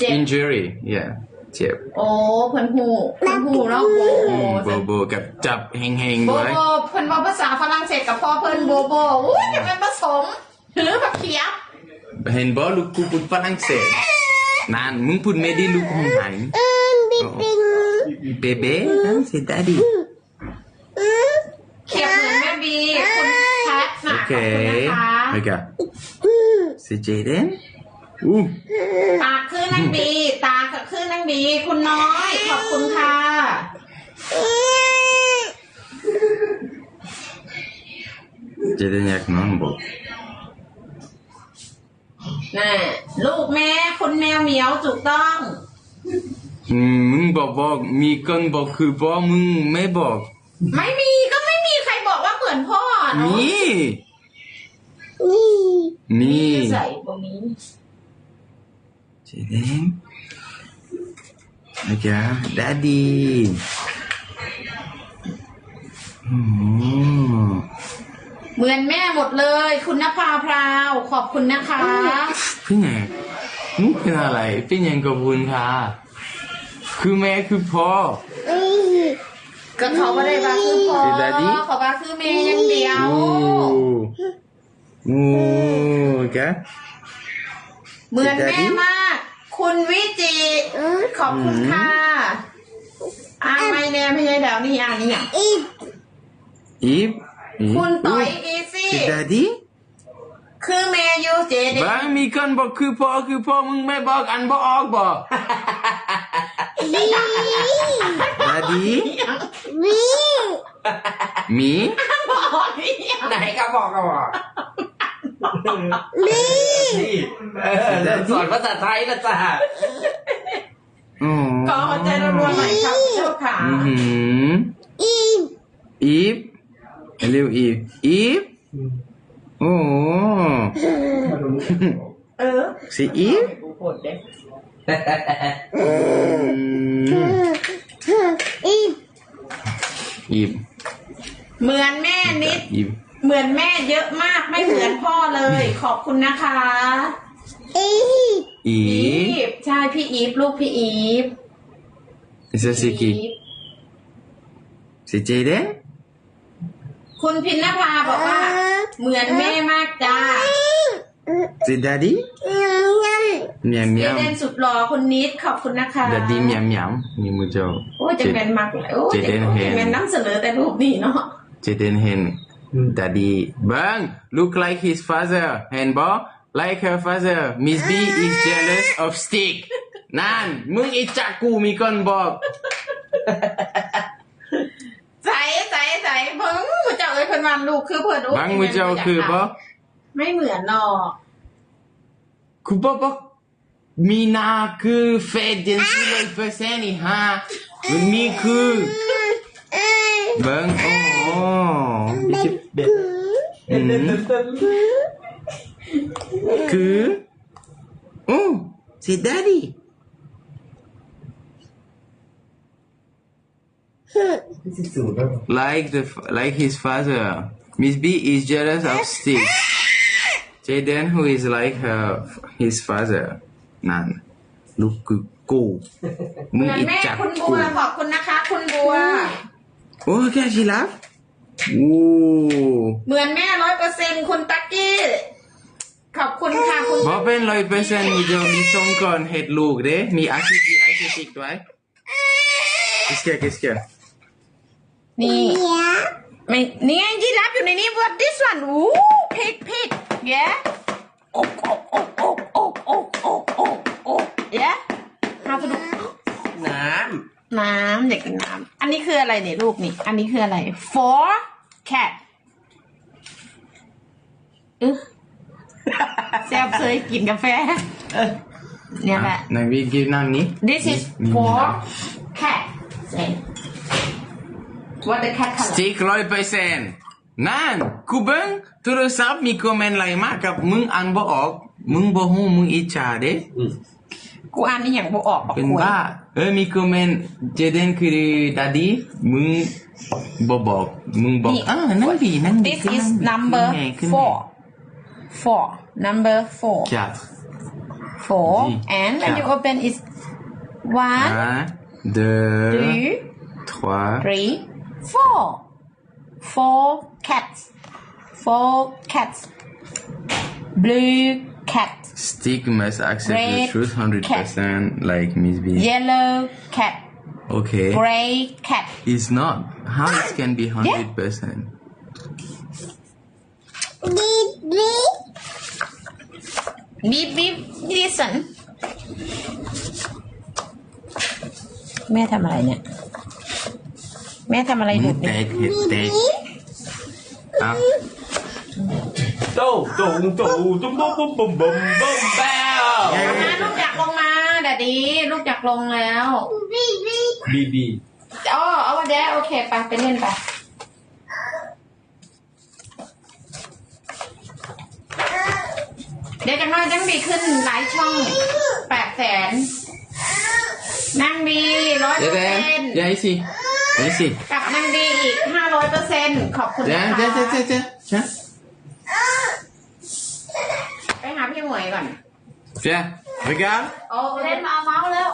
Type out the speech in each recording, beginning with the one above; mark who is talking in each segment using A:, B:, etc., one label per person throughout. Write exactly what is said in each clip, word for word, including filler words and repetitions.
A: injury yeah เจ็บ
B: โอ้เพิ่นหูเพิ่นหูเนาะโบ
A: โบโบกับจับเฮงเฮง
B: โบ
A: ด้วย
B: โบเพิ่นว่าภาษาฝรั่งเศสกับพ่อเพิ่นโบโบอุ้ยจะเป็นผสมหรือผักเขียบ
A: เห็นบอลูกกูพูดฝรั่งเศสนานมึงพูดไม่ได้ลูกของไหนเบเบ้นั่นสิดาดี
B: เขียบเหมือนแม่บีคุณแพทนะขอบคุณนะคะ
A: โอเคสิเจเดนอู้
B: ตาขึ้นนางบีตาขึ้นนางบีคุณน้อยขอบคุณค่ะ
A: เจเดนอยากนอนบอก
B: น่ะลูกแม่คุณแมวเหมียวถูกต้อง
A: มึงบอกบอกมีคนบอกคือพ่อมึงไม่บอก
B: ไม่มีก็ไม่มีใครบอกว่าเหมือนพ่อเนาะ
A: มีมี
B: ใส่ตรงนี้
A: เจเดนโอเคดัดดี้
B: เหมือนแม่หมดเลยคุณนภาพราวขอบคุณนะคะ
A: พี่แหนงมึงเป็นอะไรพี่แหนงกับคุณค่ะคือแม่คือพ่อ
B: ก็เขาไม่ได้ว่าคือพ่อเขาว่าคือแม่อย่างเดียว
A: โอ้แก
B: เหมือนแม่มากคุณวิจิขอบคุณค่ะอ่านไม่แน่ไม่ใช่เดี๋ยวนี่อ่านนี่อ่ะ
A: อีฟอีฟ
B: คุณต่อยอีซี่คือเมยูเจเด
A: บางมีคนบอกคือพ่อคือพ่อมึงไม่บอกอันบอกออกบอกดาดีมีมี
B: บอก
C: ไหนก็บอกก็บอก
B: มี
C: สอนภาษาไทยนะจ๊ะ
B: ก็ใจรัวๆหน่อยครับเจ้าขา
A: อีฟอีฟเร็วอีฟอีฟโอ้
B: เออ
A: สิอีฟอีฟอีฟ
B: เหมือนแม่นิดเหมือนแม่เยอะมากไม่เหมือนพ่อเลยขอบคุณนะคะ
A: อีฟอี
B: ฟใช่พี่อีฟลูกพี่อีฟ
A: สิสิกีสิเจเดน
B: คุณพินนภาบอกว่าเหมือนแม่มากจ้า
A: สิดาดีเมียเมีย
B: เจเดนสุดหล่อคุณนิดขอบคุณนะคะ
A: ดาดีเมียเมียมีมือเจ้า
B: โอ้จะเป็นมากเลยโอ้จะเป็นน้ำเสนอแต่รูปนี้เนาะ
A: เจเดนเห็นดาดีบัง look like his father เห็นบ่ like her father Miss B is jealous of stick นั่นมึงอิจฉากูมีคนบอก
B: ใส่ใส่ใส่เพิ่งมือเจ้าเอ้ยเพิ่นวันลูกคือเพิ่น
A: บังมือเจ้าคือบ่
B: ไม่เหมือนหรอก
A: คือบ่บ่มีหน้าคือเฟดเดนซีเลยเปอร์เซ็นต์นี่ฮะมันมีคือบังโอ้คือโอ้สิดาดีlike the like his father Miss B is jealous of Steve Jaden who is like her his father นั่นลูกคือกูมึงอิจฉา
B: คุณบัวขอบคุณนะคะคุณบัว
A: โอ้แค่ชิลับโอ้
B: เหมือนแม่ร้อยเปอร์เซ็นต์คุณตักกี้ขอบคุณค่ะคุณ
A: บอกเป็นร้อยเปอร์เซ็นต์มีจะมีสองคนเห็ดลูกเด้มีอาชีพอาชีพด้วยกิสเกียกิสเกีย
B: นี่ไม่นี่ไงยีราฟอยู่ในนี้ what this one อู้พิกพิก yeah โอ๊กโอ๊กโอ๊กโอ๊กโอ๊กโอ๊กโอ๊กโอ๊กโอ๊ก yeah หาไปดู
C: น้
B: ำน้ำอยากกินน้ำอันนี้คืออะไรเนี่ยลูกนี่อันนี้คืออะไร for cat เออแซ่บเคยกินกาแฟเนี่ยแหละ
A: นายวิกินน้ำนี้
B: this is for cat say what the cat color
A: stick ร้อยเปอร์เซ็นต์นั่นกูเบิ้งโทรศัพท์มีคอมเมนต์อะไรมากับมึงอ่านบ่ออกมึงบ่ฮู้มึงอิจฉาเด้
B: กูอ่านนี่อย่างบ่ออก
A: เป็นบ้าเออมีคอมเมนต์เจเดนคือดาดีมึงบ่บอกมึงบอกอ่านั่นดีนั่นดี
B: this is number four four number four four
A: G.
B: and when you open is one
A: Un, deux,
B: two
A: trois,
B: three four four cats four cats blue cat
A: Stick must accept the
B: Red
A: truth hundred percent like Miss B.
B: yellow cat
A: Okay.
B: gray cat
A: It's not. How it can be hundred percent?
B: beep beep listen แม่ทำอะไรเนี่ย แม่ทำอะไรดุเนี่ย
A: Take it, take. Up.
C: โต้โต้โต้ตุ้มตุ้มตุ้มบุ้มบุ้มบุ้มแบ้ว
B: มาลูกอยากลงมาดดดีลูกอยากลงแล้ว
C: บีบี
B: อ๋อเอาวันเดียวโอเคไปไปเล่นไปเดี๋ยวจะน้อยนั่งดีขึ้นหลายช่องแปดแสนนั่งดีร้อยเปอร์เซ็นต์
A: Yeah, ici. Ici.
B: กับนั่งดีอีกห้าร้อยเปอร์เซ็นต์ขอบคุณนะ
A: Tiens,
B: คะ
A: tiens, tiens, tiens, tiens. Tiens.
B: ไปหาพี่หมวยก่อน
A: Tiens. Regarde.
B: โอ้เล่นมาเอาเมาส์แล้ว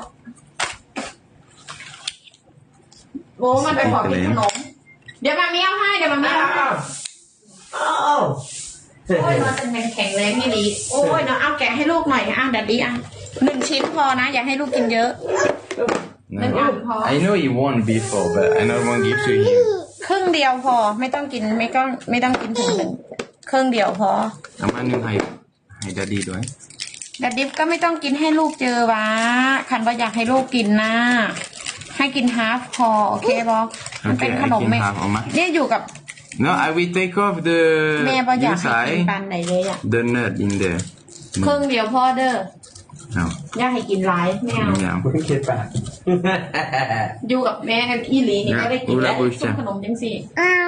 B: โว้มันไปขอกินขนมเดี๋ยวมามีเอาให้เดี๋ยวมามีเอาให้
C: อ้าว
B: โอ้ยนอนเป็นแข็งแรงนี่ดีโอ้ยนอนเอาแกะให้ลูกหน่อยอ่ะดัดดีอ่ะหนึ่งชิ้นพอนะอย่าให้ลูกกินเยอะ
A: No.
B: Then I'm hot.
A: I know he won before, but I not want to give to him.
B: ครึ่งเดียวพอไม่ต้องกินไม่ต้องไม่ต้องกินถึงหนึ่งครึ่งเดียวพอ
A: Ama nu hai hai daddyด้วย
B: ดัดดิฟก็ไม่ต้องกินให้ลูกเจอวะคันว่าอยากให้ลูกกินนะให้กินฮาฟพอโอเคบอมันเป็นขนม
A: โอเค
B: ไม่
A: ให้กิน half เอามา
B: เนี่ยอยู่กับ
A: No, I will take off the
B: แม่บออยากให้กิน
A: inside
B: ปันไหนเลยอ่ะ
A: the nut in there.
B: ครึ่งเดียวพอเด้อ
A: No.
B: อยากให้กินหลายไม่เอา
A: Yeah.
C: คุณเคปะ
B: อยู่กับแม่อีหลีนี่ก็ได้กินแล้ว
A: อุระบุช
B: ต้มขนมจังสิ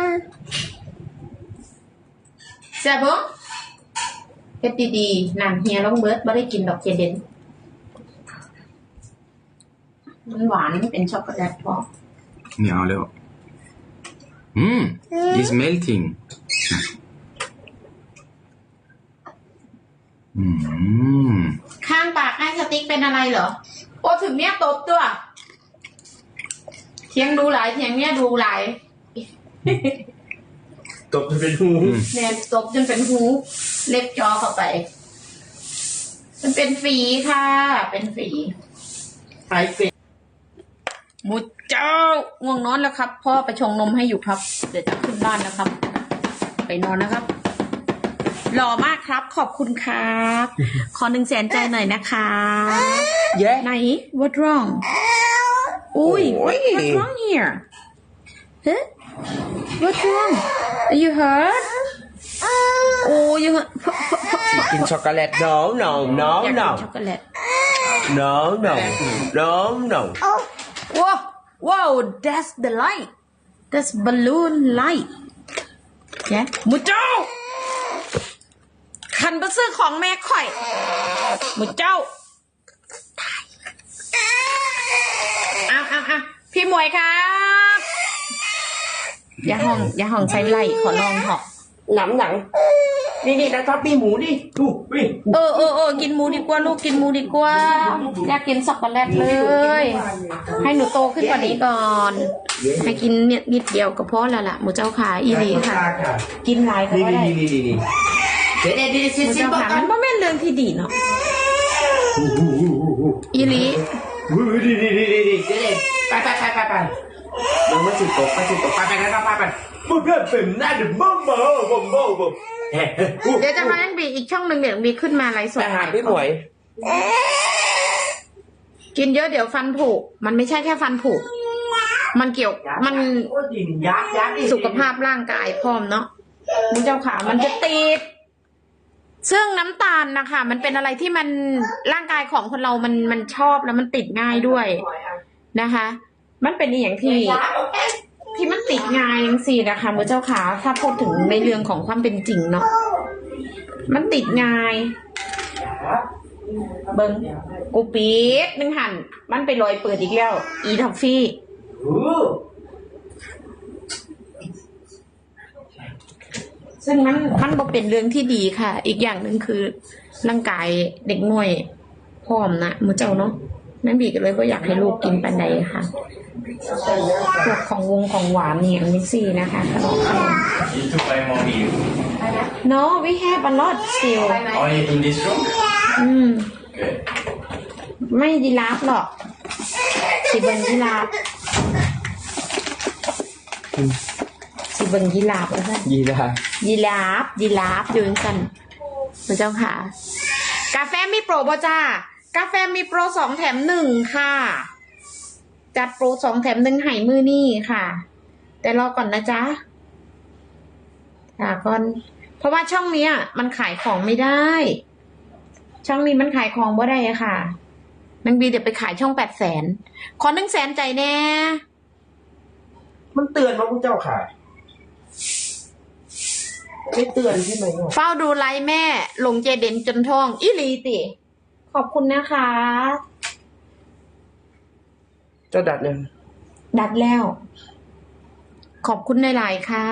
B: แซ่บบ่เฮ็ดดีๆนั่นเฮียร้องเบิร์ดบ่ได้กินดอกเจเดนมันหวานเป็นช็อกโกแลตพอ
A: ไม่เอาแล้ว Hmm. It's melting. Hmm.
B: ข้างปากให้สติ๊กเป็นอะไรเหรอโอ้ถึงเนี้ยตบตัวเทียงดูหลายเทียงเนี้ยดูหลาย
C: ตบเป็นหู
B: เนี่ยตบจนเป็นหูเล็บจอเข้าไป มันเป็นฝีค่ะ เป็นฝี
C: ไอเป็น
B: มุดเจ้าง่วงนอนแล้วครับพ่อไปชงนมให้อยู่ครับ เดี๋ยวจะขึ้นบ้านนะครับ ไปนอนนะครับหล่อมากครับขอบคุณครับ ขอหนึ่งแสนใจหน่อยนะคะ
C: เย้
B: ไหน what wrong อุ้ย what what's wrong here huh what's wrong are you hurt โอ้ย you hurt
C: กินช็อกโกแลต no no no
B: อยากกิ
C: no
B: นช็อกโกแลต
C: no no no no
B: wow wow that's the light that's balloon light เนี่ยมุดเจ้าขันไปซื้อของแม่ข่อยมุดเจ้าอ้าวอ้าวอ้าวพี่หมวยครับอย่าห้องอย่าห้องใช้ไล่ขอลองเถอะ
C: หนังหนังนี่นี่นะครับมีหมูนี่ดูวิ่ง
B: เออเออเออกินหมูดีกว่าลูกกินหมูดีกว่าอยากกินช็อกโกแลตเลย ให้หนูโตขึ้นกว่านี้ก่อน ให้กินเนี่ยนิดเดียวก็พอแล้วล่ะหมูเจ้าขาอีหลีค่ะ กินหลายก็
C: นี่
B: ได้
C: นี่นี่นี่นี่เดี๋ยวเดี๋ยวเดี๋ยว
B: หมู
C: ซิ
B: เจ้า
C: บอก
B: ขา
C: กั
B: มัน นบ่แม่นเรื่องที่ดีเนาะอีหลี
C: ดีดีดีดีดีเดี๋ยวไปไปไปไปไปมันไม่สิตกไปสิตกไปไปไปไปไปมึงก็เป็นหน้าเดือดบ้าบ้าบ้าบ้าบ้าเฮ้ย
B: เดี๋ยวจะมายังบีอีกช่องหนึ่งเดี๋ยวบีขึ้นมาไลฟ์สด
C: ไปหาพี่หมวย
B: กินเยอะเดี๋ยวฟันผุมันไม่ใช่แค่ฟันผุมันเกี่ยวมัน
C: ยักยัก
B: สุขภาพร่างกายพร้อมเนาะมุ้งเจ้าขามันจะติดซึ่งน้ำตาลนะคะมันเป็นอะไรที่มันร่างกายของคนเรามันมันชอบแล้วมันติดง่ายด้วยนะคะ มันเป็นอย่างที่ที่มันติดง่ายยังสี่นะคะมุ้งเจ้าขาถ้าพูดถึงในเรื่องของความเป็นจริงเนาะมันติดง่ายเบิ้งกูปี๊ดนึงหันมันไปลอยเปิดอีกแล้วอีทอฟฟี่ซึ่งมันมันบ่เป็นเรื่องที่ดีค่ะ อีกอย่างหนึ่งคือร่างกายเด็กหน่วยร้อมนะมือเจ้าเนาะแม่บีก็เลยก็อยากให้ลูกกินปันใดค่ะพวกของวงของหวานเนี่ยมิกซี่นะคะขนมขนม
A: You to buy more meal.
B: No we have a lot still
A: Only in this room?
B: อืม
A: Good.
B: ไม่ยีราฟหรอกสิเบิงยีราฟสิเบิงยีราฟแล้วกัน
C: ยีราฟ
B: ยีราฟยีราฟอยู่กันพระเจ้าค่ะ กาแฟมีโปรบ่จ้ากาแฟมีโปรสองแถมหนึ่งค่ะ จัดโปรสองแถมหนึ่งให้มือนี่ค่ะ แต่รอก่อนนะจ๊ะค่ะก่อนเพราะว่าช่องเนี้ย มันขายของไม่ได้ ช่องนี้มันขายของบ่ได้อะค่ะนางบีเดี๋ยวไปขายช่องแปดแสนขอหนึ่งแสนใจแน่
C: มันเตือนว่าพวกเจ้าค่ะไม่เตือนใช่ไหม
B: เฝ้าดูไลฟ์แม่ลงเจเด่นจนท้องอีหลีติขอบคุณนะคะ
C: เจ้าดัดยัง
B: ดัดแล้ว ขอบคุณในไลน์ค่ะ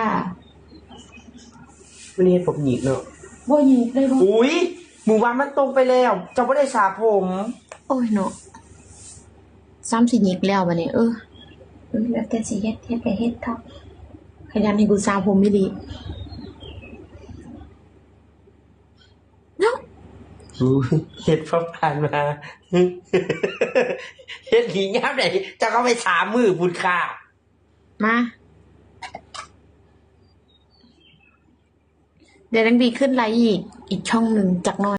C: วันนี้ผมหยิกเนาะ
B: บ่ยิงเลยบ่
C: อุ้ยหมู่บ้านมันตรงไปแล้วเจ้าไม่ได้สาผม
B: โอ้ยเนาะซ้ำสิยิกแล้วบัดนี้เออเออแล้วแต่สิเฮ็ดเฮ็ดก็เฮ็ดเถอะขยันให้กูสาวผมไม่ดีเนาะ
C: อู้เฮ็ดพอผ่านมาเฮ็ดหีงามไหนเจ้าก็ไปสามมือบุญค่ะ
B: มาเดี๋ยวนางบีขึ้นไลน์อีกอีกช่องหนึ่งจากน้อย